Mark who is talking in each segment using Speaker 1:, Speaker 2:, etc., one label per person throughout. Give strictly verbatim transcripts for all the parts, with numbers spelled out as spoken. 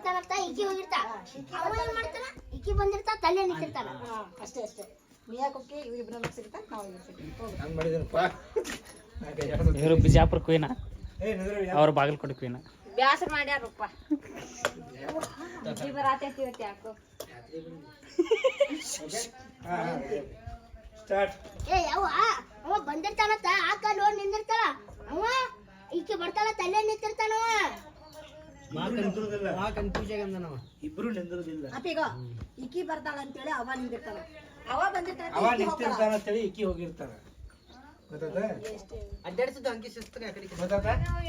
Speaker 1: ಬರ್ತಾನಂತ ಈಕಿ ಹೋಗಿರ್ತಾ ಅವ ಏನ್ ಮಾಡ್ತಾನ ಈಕಿ ಬಂದಿರ್ತಾ ತಲೆ ನಿಂತಿರ್ತಾನ
Speaker 2: ಅಷ್ಟೇ ಅಷ್ಟೇ ಮಿಯಾಕೊಕ್ಕೆ ಇವ್ರಿಬ್ರನ್ನ ಸಿಗ್ತಾನೆ ನಾವು ಇರ್ತೀವಿ
Speaker 3: ಹಂಗ್ ಮಾಡಿದನಪ್ಪ
Speaker 4: ಇವರು ಬಿಜಾಪುರ ಕ್ವೀನ ಅವ್ರ ಬಾಗಲಕೋಟೆ ಕ್ವೀನ
Speaker 2: ಬ್ಯಾಸರ ಮಾಡ್ಯಾರಪ್ಪ ಈ ಬರಾತೈತಿ ಇವತ್ತು ಯಾಕೋ
Speaker 3: ಸ್ಟಾರ್ಟ್
Speaker 1: ಏ ಯಾವ ಅವ ಬಂದಿರ್ತಾನಂತ ಆ ಕಾಲ್ ನೋಡಿ ನಿಂದಿರ್ತಾಳ ಅವ ಈಕಿ ಬರ್ತಾಳ ತಲೆ ನಿಂತಿರ್ತಾನವ
Speaker 3: ಇಬ್ರು ನಿಂದಿರೋದಿಲ್ಲ
Speaker 2: ಅಪ್ಪೀಗ ಈಕಿ ಬರ್ತಾಳ ಅಂತೇಳಿ ಅವ ನಿಂದಿರ್ತಾನ ಅವ ಬಂದಿರ್ತಾನ
Speaker 3: ಅವ ನಿಂತಿರ್ತಾನ ಅಂತೇಳಿ ಇಕ್ಕಿ ಹೋಗಿರ್ತಾನ ಗೊತ್ತಾದ
Speaker 5: ಅಡ್ಡಾಡ್ಸಿದ್ದು ಅಂಕಿ ಶಿಸ್ತು ಆ ಕಡೆ
Speaker 3: ಗೊತ್ತಾದ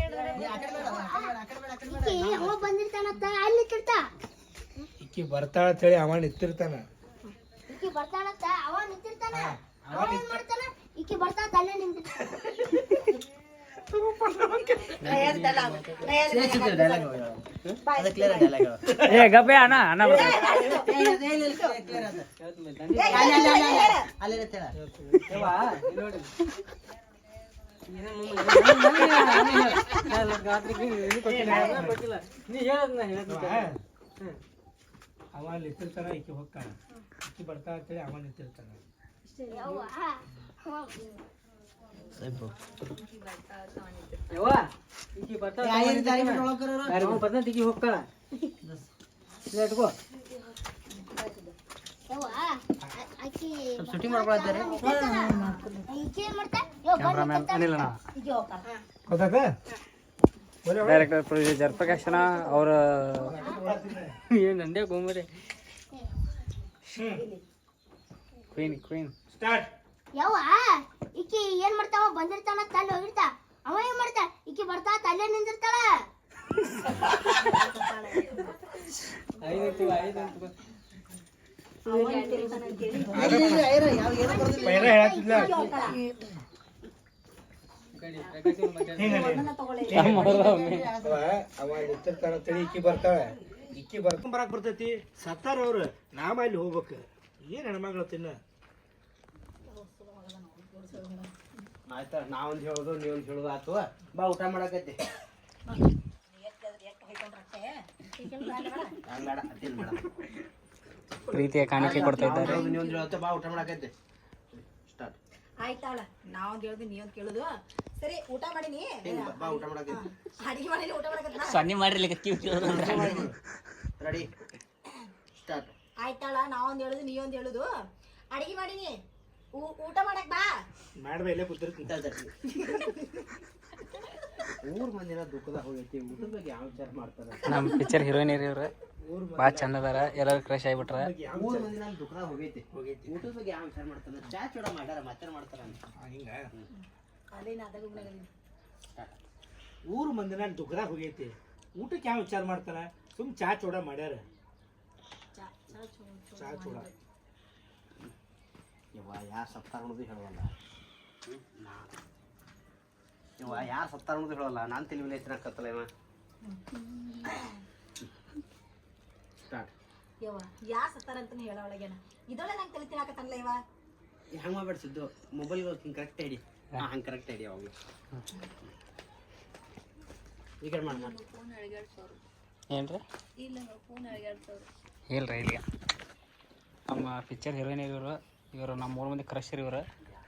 Speaker 1: ಈಕಿ ಅವ ಬಂದಿರ್ತಾನಂತ ಅಲ್ಲಿ ನಿಂತಿರ್ತಾ
Speaker 3: ಇಕ್ಕಿ ಬರ್ತಾಳ ಅಂತೇಳಿ ಅವ ನಿಂತಿರ್ತಾನ
Speaker 1: ಈಕಿ ಬರ್ತಾಳಂತ ಅವ ನಿಂತಿರ್ತಾನ ಅವ ಏನ್ ಮಾಡ್ತಾನ ಈಕಿ ಬರ್ತಾಳ ತಲೆ ನಿಂತಿರ್ತಾನ
Speaker 4: ಏ ಗಬ್ಬೆ ಅಣ್ಣ ಅಣ್ಣ
Speaker 3: ಅವ ನಿಂತಿರ್ತಾನ ಈಕಿ ಹೋಗ್ತಾನ ಇಕ್ಕಿ ಬರ್ತಾಳ ಅಂತೇಳಿ ಅವ ನಿಂತಿರ್ತಾನ
Speaker 5: ಶೂಟಿಂಗ್ ಮಾಡ್ಕೊಳ್ತಾರೆ
Speaker 4: ಕ್ಯಾಮ್ರಾಮ್ಯಾನ್ ಅನಿಲ್ ಅಣ್ಣ
Speaker 3: ಗೊತ್ತಾದ
Speaker 4: ಡೈರೆಕ್ಟರ್ ಪ್ರೊಡ್ಯೂಸರ್ ಜಯಪ್ರಕಾಶ್ ಅಣ್ಣ ಅವ್ರ ಏನು ನಂದೇ ಗೋಮರೆ ಕ್ವೀನ್ ಕ್ವೀನ್
Speaker 3: ಸ್ಟಾರ್ಟ್
Speaker 1: ಯವ್ವ ಈಕಿ ಏನ್ ಮಾಡ್ತಾವ ಬಂದಿರ್ತಾನ ತಲೆ ಹೋಗಿರ್ತಾ ಅವ ಏನ್ ಮಾಡ್ತಾ ಈಕಿ ಬರ್ತಾ ತಲೆ ನಿಂದಿರ್ತಾಳ
Speaker 3: ಪೈರ ಹೇಳತ್ತಿಲ್ಲ ಅವ ನಿಂತಿರ್ತಾನ ಅಂತೇಳಿ ಇಕ್ಕಿ ಬರ್ತಾಳ ಇಕ್ಕಿ ಬರ್ಕೊಂಡ್ ಬರಾಕ್ ಬರ್ತೈತಿ ಸತ್ತಾರ ಅವ್ರು ನಾಮ ಅಲ್ಲಿ ಹೋಗ್ಬೇಕು ಏನ್ ಹೆಣ್ಮಗಳು ತಿನ್ನ
Speaker 5: ಆಯ್ತಾ ನಾವೊಂದು ಹೇಳೋದು ನೀವೊಂದು ಹೇಳೋದು ಆತು ಬಾ ಊಟ ಮಾಡಕತ್ತಿ ಬೇಡ ಅದೇನು ಬೇಡ
Speaker 4: ಪ್ರೀತಿಯ ಕಾಣಿಕೆ ಕೊಡ್ತಾ ಇದ್ದಾರೆ
Speaker 5: ನೀವೊಂದು ಹೇಳತ್ತೆ ಬಾ ಊಟ ಮಾಡಕತ್ತಿ ಸ್ಟಾರ್ಟ್
Speaker 2: ಆಯ್ತಾಳ ನಾವ್ ಕೇಳುದು ನೀವ್ ಕೇಳುದು ಸರಿ ಊಟ ಮಾಡಿನಿ
Speaker 5: ಬಾ ಊಟ ಮಾಡಕತ್ತಿ
Speaker 2: ಅಡಿಗೆ ಮಾಡಿನಿ ಊಟ ಮಾಡಕತ್ತ
Speaker 4: ಸನ್ನಿ ಮಾಡ್ರಿ
Speaker 5: ರೆಡಿ ಸ್ಟಾರ್ಟ್
Speaker 2: ಆಯ್ತಾಳ ನಾವೊಂದ್ ಹೇಳುದು ನೀವೊಂದ್ ಹೇಳುದು ಅಡಿಗೆ ಮಾಡಿನಿ ಊಟ ಮಾಡಕ್ ಬಾ
Speaker 3: ಮಾಡ್ಬೇ ಇಲ್ಲೇ ಕೂತಿರ್ತೀನಿ
Speaker 5: ಊರ್ ಮಂದಿನ ದುಃಖದಾಗ ಹೋಗೈತಿ ಊಟದ ಬಗ್ಗೆ ಯಾವ ವಿಚಾರ ಮಾಡ್ತಾರ
Speaker 4: ನಮ್ಮ ಪಿಕ್ಚರ್ ಹೀರೋಯಿನ್ ಇವ್ರು ಭಾಳ ಚಂದ ಅದಾರ ಎಲ್ಲರೂ ಕ್ರಶ್ ಆಗಿಬಿಟ್ರ
Speaker 5: ಊರ್ ಮಂದಿ ನಮ್ ದುಃಖದಾಗ ಹೋಗೈತಿ ಹೋಗೈತಿ ಊಟದ ಬಗ್ಗೆ ಯಾವ ವಿಚಾರ ಮಾಡ್ತಾರ ಚಾ ಚೂಡ ಮಾಡ್ಯಾರ ಮಾತಾಡ ಮಾಡ್ತಾರ
Speaker 3: ಹಿಂಗ
Speaker 2: ಅದೇನ ಅದಾಗ
Speaker 3: ಊರು ಮಂದಿನ ದುಃಖದಾಗ ಹೋಗೈತಿ ಊಟಕ್ಕೆ ಯಾವ ವಿಚಾರ ಮಾಡ್ತಾರ ಸುಮ್ ಚಾ ಚೂಡ ಮಾಡ್ಯಾರ ಚಾ ಚೂಡ
Speaker 5: ಯವ್ವ ಯಾರು ಸತ್ತಾರ ಅನ್ನೋದು ಹೇಳವಲ್ಲ ಯವ್ವ ಯಾರು ಸತ್ತಾರ ಅನ್ನೋದು ಹೇಳವಲ್ಲ ನಾನು ತಲೆ ಮೇಲೆ ಎತ್ತಿನಕತ್ತಲ್ಲ ಇವ ಸ್ಟಾರ್ಟ್
Speaker 2: ಯವ್ವ ಯಾರ್ ಸತ್ತಾರ ಅಂತ ಹೇಳ ಒಳಗೇನ ಇದೊಳೆ ನಂಗೆ ತಲೆ ತಿನ್ನಾಕತ್ತಲ್ಲ ಇವ
Speaker 5: ಹೆಂಗೆ ಮಾಡ್ಬೇಡ್ಸಿದ್ದು ಮೊಬೈಲ್ಗೆ ಹಿಂಗೆ ಕರೆಕ್ಟ್ ಐಡಿ ಹಾಂ ಹಂಗೆ ಕರೆಕ್ಟ್ ಐಡಿ ಅವಾಗ ಈ ಕಡೆ ಮಾಡಿ ಮಾಡಿ
Speaker 4: ಏನ್ರಿ ಇಲ್ರಿ ಇಲ್ಲಿ ನಮ್ಮ ಪಿಕ್ಚರ್ ಹೀರೋಯಿನ್ ಇವರು ಇವರು ನಮ್ಮ ಮೂರು ಮಂದಿ ಕ್ರಶರ್ ಇವರು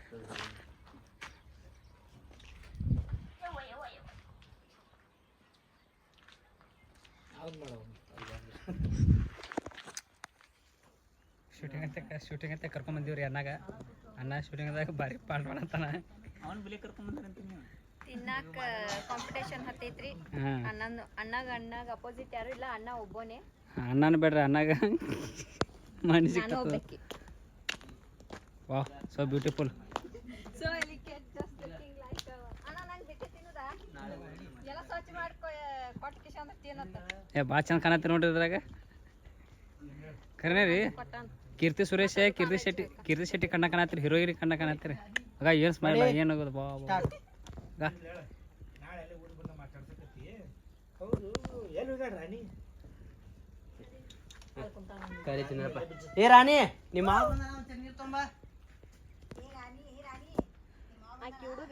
Speaker 4: ಶೂಟಿಂಗ್ ಅಂತ ಶೂಟಿಂಗ್ ಅಂತ ಕರ್ಕೊಂಡ್ ಬಂದಿವ್ರಿ ಅಣ್ಣಾಗ ಅಣ್ಣ ಶೂಟಿಂಗ್ದಾಗ ಭಾರಿ ಪಾಠ ಮಾಡತ್ತಾನ ಅವನ್ ಬಿಲಿ ಕರ್ಕೊಂಡ್ ಬಂದ್ರಂತೀನಿ
Speaker 6: ತಿನ್ನಾಕ ಕಾಂಪಿಟೇಷನ್ ಹತ್ತೈತ್ರಿ ಅಣ್ಣನ ಅಣ್ಣಗ ಅಣ್ಣಗ ಅಪೋಸಿಟ್ ಯಾರು ಇಲ್ಲ ಅಣ್ಣ ಒಬ್ಬನೇ
Speaker 4: ಅಣ್ಣನ ಬೇಡ್ರಿ ಅಣ್ಣಗ ಮನಿ
Speaker 6: ನಾನು ಒಬ್ಬಕಿ
Speaker 4: ವಾಹ್ ಸೋ ಬ್ಯೂಟಿಫುಲ್
Speaker 6: ಸೊ ಇಲ್ಲಿಕ್ಕೆ ಜಸ್ಟ್ ಲುಕಿಂಗ್ ಲೈಕ್ ಅಣ್ಣ ನಂಗೆ ಬಿಟ್ಟು ತಿನ್ನುದಾ ಎಲ್ಲ ಸ್ವಚ್ಛ ಮಾಡ್ಕೊ ಕೊಟ್ಟು ಕಿಶ ಅಂದ್ರೆ ತಿನ್ನತ್ತ
Speaker 4: ಏ ಭಾಳ ಚಂದ ಕಾಣತ್ತೀರಿ ನೋಡ್ರಿ ಇದ್ರಾಗ ಖರೇನೆ ರೀ ಕೀರ್ತಿ ಸುರೇಶ್ ಕೀರ್ತಿ ಶೆಟ್ಟಿ ಕೀರ್ತಿ ಶೆಟ್ಟಿ ಕಣ್ಣ ಕಾಣತ್ತೀರಿ ಹೀರೋಯಿನ್ ಕಣ್ಣ ಕಾಣತ್ತೀರಿ ಆಗ ಏನು ಸ್ಮೈಲ್ ಏನು ಆಗೋದು ಬಾ ಬಾ
Speaker 3: ನಾಳೆ ಅಲ್ಲಿ ಊರಿಗೆ ಬಂದ ಮಾತಾಡ್ಸಕತ್ತಿ ಹೌದು ಎಲ್ಲಿ ಹೋಗ್ಯಾರ ರಾಣಿ
Speaker 5: ಕರಿತೀನಪ್ಪ ಏ ರಾಣಿ ನಿಮ್ಮ ಮಾವ ನೀರು ತುಂಬ
Speaker 6: ಆಕಿ ಹುಡುಗ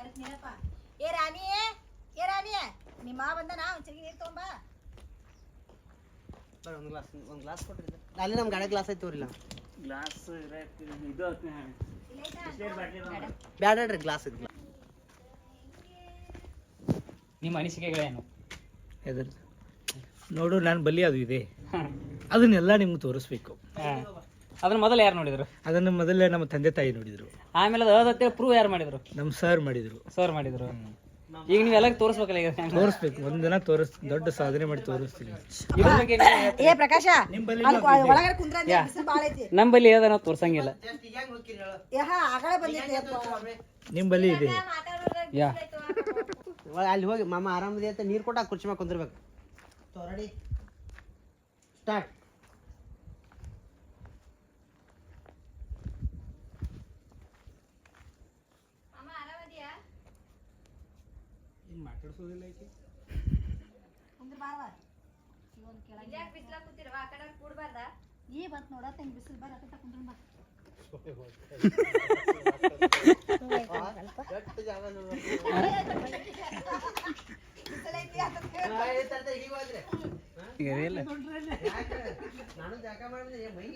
Speaker 2: ನೀನಪ್ಪ. ಏ ರಾಣಿ ಏ ರಾಣಿ ನಿಮ್ಮ ಮಾವ ಬಂದನ ಒಂದ್ ಚರಿಗೆ ನೀರ್ ತಗೊಂಬಾ.
Speaker 5: ಒಂದು ಗ್ಲಾಸ್ ಒಂದು ಗ್ಲಾಸ್ ಕೊಟ್ಟಿದ್ದೆ ಅಲ್ಲಿ ನಮ್ಮ ಗಾಡಿ ಗ್ಲಾಸ್ ಐತಿ ತೋರಿಲ್ಲ
Speaker 4: ಗ್ಲಾಸ್ ಇದು
Speaker 5: ಬ್ಯಾಡ್ರಿ ಗ್ಲಾಸ್ ಐತಿ
Speaker 4: ನಿಮ್ಮ ಅನಿಸಿಕೆಗಳೇನು?
Speaker 3: ಎದ್ರ ನೋಡು ನಾನು ಬಲಿ ಅದು ಇದೆ ಅದನ್ನೆಲ್ಲ ನಿಮ್ಗೆ ತೋರಿಸ್ಬೇಕು.
Speaker 4: ಅದನ್ನ ಮೊದಲು ಯಾರು ನೋಡಿದ್ರು?
Speaker 3: ಅದನ್ನು ಮೊದಲೇ ನಮ್ಮ ತಂದೆ ತಾಯಿ ನೋಡಿದ್ರು,
Speaker 4: ಆಮೇಲೆ ಅದು ಅದಂತೇಳಿ ಪ್ರೂವ್ ಯಾರು ಮಾಡಿದ್ರು?
Speaker 3: ನಮ್ಮ ಸರ್ ಮಾಡಿದ್ರು.
Speaker 4: ಸರ್ ಮಾಡಿದ್ರು. ಈಗ ನೀವೆಲ್ಲ ತೋರಿಸ್ಬೇಕಲ್ಲ ಈಗ
Speaker 3: ತೋರಿಸ್ಬೇಕು, ಒಂದಿನ ತೋರಿಸ್ ದೊಡ್ಡ ಸಾಧನೆ ಮಾಡಿ ತೋರಿಸ್ತೀನಿ.
Speaker 4: ಇದ್ರ ಬಗ್ಗೆ ನೀವ್ ಹೇಳ್ತೀರಿ?
Speaker 2: ಏ ಪ್ರಕಾಶ ಒಳಗಡೆ ಕುಂದ್ರ ಬಿಸಿಲು ಬಾಳ ಐತಿ.
Speaker 4: ನಮ್ಮಲ್ಲಿ ಅದ ನಾವು ತೋರ್ಸಂಗಿಲ್ಲ.
Speaker 2: ಏ ಹಾ ಆಗಲೇ ಬಂದೈತಿ ಅಪ್ಪ.
Speaker 3: ನಿಮ್ಮ ಬಲಿ ಇದೆ.
Speaker 4: ಯಾ
Speaker 5: ಅಲ್ಲಿ ಹೋಗಿ ಮಾಮ ಆರಾಮದಿ ಅಂತ ನೀರು ಕೊಟ್ಟ ಕುರ್ಚಿ ಮ್ಯಾಗ ಕುಂದಿರ್ಬೇಕು. Ready start.
Speaker 3: ಮಾತಾಡ್ಸೋದಿಲ್ಲ ಐತಿ
Speaker 2: ಕುಂದ್ರ ಬಾವ. ಈ ಬಂತ್ ನೋಡತ್ತ ಹಿಂಗ್ ಬಿಸಿಲು ಬಾರ ಅತ್ತ ಕುಂದ್ರ ಬಾ. ನಾನು ಜಾಗ ಮಾಡಿದ್ರೆ ಮೈಗೆ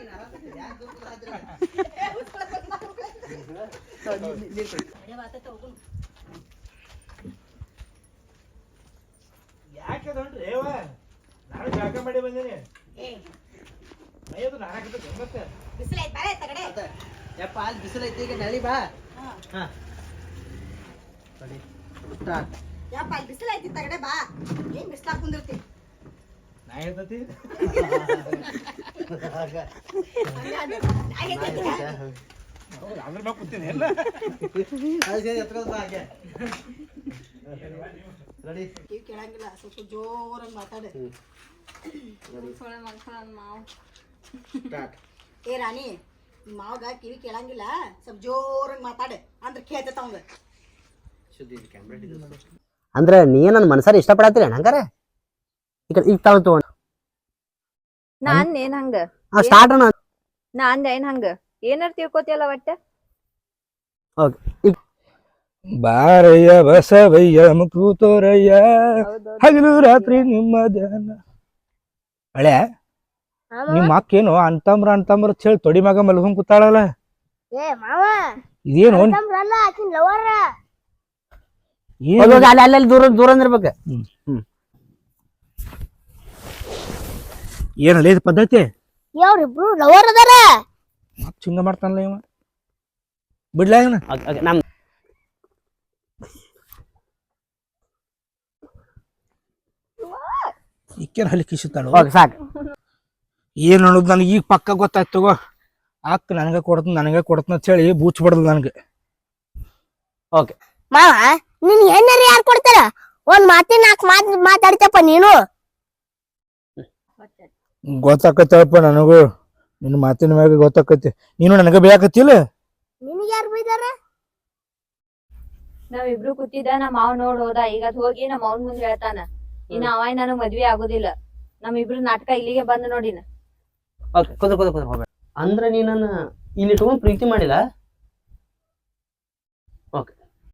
Speaker 3: ಯಾಕೆ ಅದನ್ರಿ ನಾನು ಜಾಗ ಮಾಡಿ ಬಂದೇನೆ. ಮೈಯದು ನಾಲ್ಕು ಗಂಗತ್ತೆ
Speaker 2: ಬಿಸಿಲು ಐತಿ ಬಾರೆ ತಗಡೆ.
Speaker 5: ಯಪ್ಪ ಅಲ್ಲಿ ಬಿಸಿಲು ಐತಿ ಈಗ ನಳಿ ಬಾ. ಹಾ ರೆಡಿ ಸ್ಟಾರ್ಟ್.
Speaker 2: ಯಪ್ಪ ಅಲ್ಲಿ ಬಿಸಿಲು ಐತಿ ತಗಡೆ ಬಾ. ಏನ್ ಬಿಸಿಲಾಗ ಕುಂದಿರ್ತಿ?
Speaker 3: ನಾ ಹೇಳ್ತತಿ ಅದ್ರ ಮ್ಯಾಗ ಕೂತೀನಿ ಎಲ್ಲ
Speaker 5: ರೆಡಿ
Speaker 2: ಕಿವಿ ಕೇಳಂಗಿಲ್ಲ, ಸ್ವಲ್ಪ ಜೋರಾಗಿ ಮಾತಾಡು.
Speaker 5: ಸ್ಟಾರ್ಟ್.
Speaker 2: ಏ ರಾಣಿ ನಿಮ್ಮ ಮಾವಗ ಕಿವಿ ಕೇಳಂಗಿಲ್ಲ, ಸ್ವಲ್ಪ ಜೋರಾಗಿ ಮಾತಾಡು ಅಂದ್ರೆ ಕೇಳ್ತೈತ ಅವಂಗ.
Speaker 5: ಅಂದ್ರೆ ನೀ ನನ್ನ ಮನಸಾರ ಇಷ್ಟಪಡತ್ತೀರ ಹಂಗಾರ ಈ ಕಡೆ ಈಗ ತಾಳು ತಗೊಂಡು
Speaker 6: ನಾನ್ ಏನ್ ಹಂಗ
Speaker 5: ಸ್ಟಾರ್ಟ್ ಅಣ್ಣ.
Speaker 6: ನಾನ್ ಏನ್ ಹಂಗ ಏನಾರ ತಿಳ್ಕೊತಿಯಲ್ಲ ಒಟ್ಟ.
Speaker 3: ಬಾರಯ್ಯ ಬಸವಯ್ಯ ಮುಕೂತೋರಯ್ಯ ಹಗಲು ರಾತ್ರಿ ನಿಮ್ಮ ಧ್ಯಾನ. ಹಳೆ ನಿಮ್ಮ ಅಕ್ಕೇನು ಅಂತಂಬ್ರ ಅಂತಂಬ್ರ ಹೇಳಿ ತೊಡಿ ಮಗ ಮಲ್ಕೊಂಡ್ ಕೂತಾಳಲ್ಲ.
Speaker 1: ಏ ಮಾವ
Speaker 3: ಇದೇನು
Speaker 1: ತಮ್ರಲ್ಲ ಆಕಿನ್ ಲವರ್.
Speaker 3: ಏನು
Speaker 5: ಅಲ್ಲಿ ಅಲ್ಲಿ ದೂರ ದೂರ ಇರ್ಬೇಕು.
Speaker 3: ಏನಲ್ಲ ಇದು ಪದ್ಧತಿ?
Speaker 1: ಇವ್ರಿಬ್ರು ಲವರ್ ಅದಾರ.
Speaker 3: ಮತ್ ಹಿಂಗ ಮಾಡ್ತಾನಲ್ಲ ಇವ, ಬಿಡ್ಲ ಇವನ.
Speaker 5: ನಮ್
Speaker 3: ಈಕೇನ್ ಹಲ್ಲಿ ಕಿಸುತ್ತಾಳು.
Speaker 5: ಸಾಕು.
Speaker 3: ಏನ್ ಅನ್ನೋದು ನನಗೆ ಈಗ ಪಕ್ಕ ಗೊತ್ತಾಯ್ತು ತಗೋ. ಅಕ್ಕ ನನಗೆ ಕೊಡ್ತ ನನಗೆ ಕೊಡ್ತ ಅಂತ ಹೇಳಿ ಬೂಚ್ ಬಡ್ದು ನನಗೆ.
Speaker 5: ಓಕೆ
Speaker 1: ಮಾವ ನಿನ್ ಹೆಣ್ಣರಿ ಯಾರು ಕೊಡ್ತಾರ? ಒಂದ್ ಮಾತಿನ ನಾಲ್ಕು ಮಾತ್ ಮಾತಾಡ್ತಪ್ಪ ನೀನು.
Speaker 3: ಗೊತ್ತಾಕತ್ತಪ್ಪ ನನಗೂ, ನಿನ್ನ ಮಾತಿನ ಮ್ಯಾಗ ಗೊತ್ತಾಕತಿ. ನೀನು ನನಗೆ ಬೇಕತ್ತಿಲ್ಲ.
Speaker 1: ನಿನಗೆ ಯಾರು ಬೈದಾರ?
Speaker 6: ನಾವಿಬ್ರು ಕೂತಿದ್ದ ನಮ್ಮ ಮಾವ್ ನೋಡ್ ಹೋದ. ಈಗ ಅದ್ ಹೋಗಿ ನಮ್ಮ ಮಾವನ್ ಮುಂದೆ ಹೇಳ್ತಾನ ಇನ್ನ ಅವ ನನಗ್ ಮದ್ವಿ ಆಗುದಿಲ್ಲ. ನಮ್ ಇಬ್ರು ನಾಟಕ ಇಲ್ಲಿಗೆ ಬಂದ್ ನೋಡಿನ.
Speaker 5: ಓಕೆ ಕುದ್ರ ಕುದ್ರ ಕುದ್ರ ಹೋಗ್ಬೇಡ. ಅಂದ್ರೆ ನೀ ನನ್ನ ಇಲ್ಲಿ ಇಟ್ಕೊಂಡು ಪ್ರೀತಿ ಮಾಡಿಲ್ಲ.